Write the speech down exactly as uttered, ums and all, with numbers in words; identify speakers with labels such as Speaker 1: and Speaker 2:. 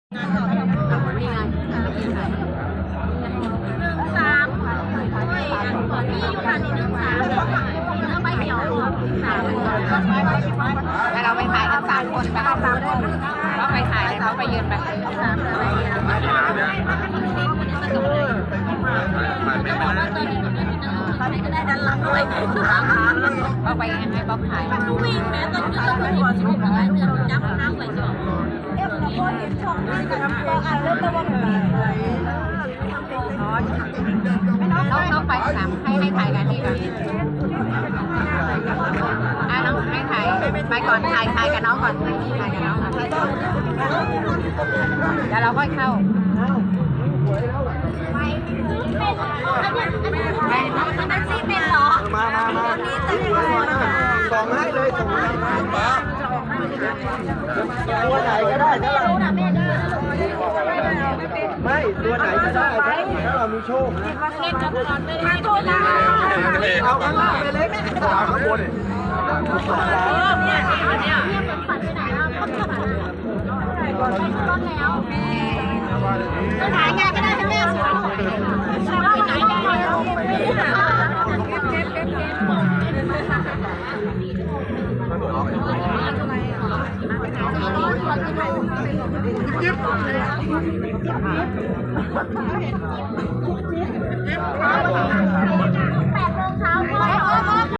Speaker 1: นี่ไงสามโอ้ยอันก่อนนี่อยู่คันนี้หนึ่งสามแล้วใบเขียวสามแล้วเราไปถ่ายกันสามคนไปเอาสามคนเราไปถ่ายแล้วเราไปยืนไปสามอะไรตอนนี้ก็ได้ดันหลังด้วยเราไปยังไงบ๊อบถ่ายวิ่งแม้ตอนนี้เราไปหัวชิบอะไรเนี่ยจับน้ำไว้ก่อนเอฟเราก็เห็นช่องนี้จะทำตัวอ่านเรื่องตัวมันน้องน้องไปสามให้ให้ถ่ายกันที่ก่อนอ่ะน้องให้ถ่ายไปก่อนถ่ายถ่ายกับน้องก่อนถ่ายกับน้องเดี๋ยวเราค่อยเข้าอันนี้เป็นเหรอมามามาส่งให้เลยส่งให้ตัวไหนก็ได้ถ้าเราไม่ตัวไหนก็ได้ถ้าเรามีโชคเล่นกับก่อนไม่ได้ตัวนะเอาข้างล่างไปเลยเอาข้างบนเนี่ยเนี่ยเนี่ยเหมือนฝันไปไหนแล้วก็ฝันไปรถแล้วจะถ่ายงานก็ได้ทั้งแม่สวยไปไหนได้ยิบแปดโมงเช้า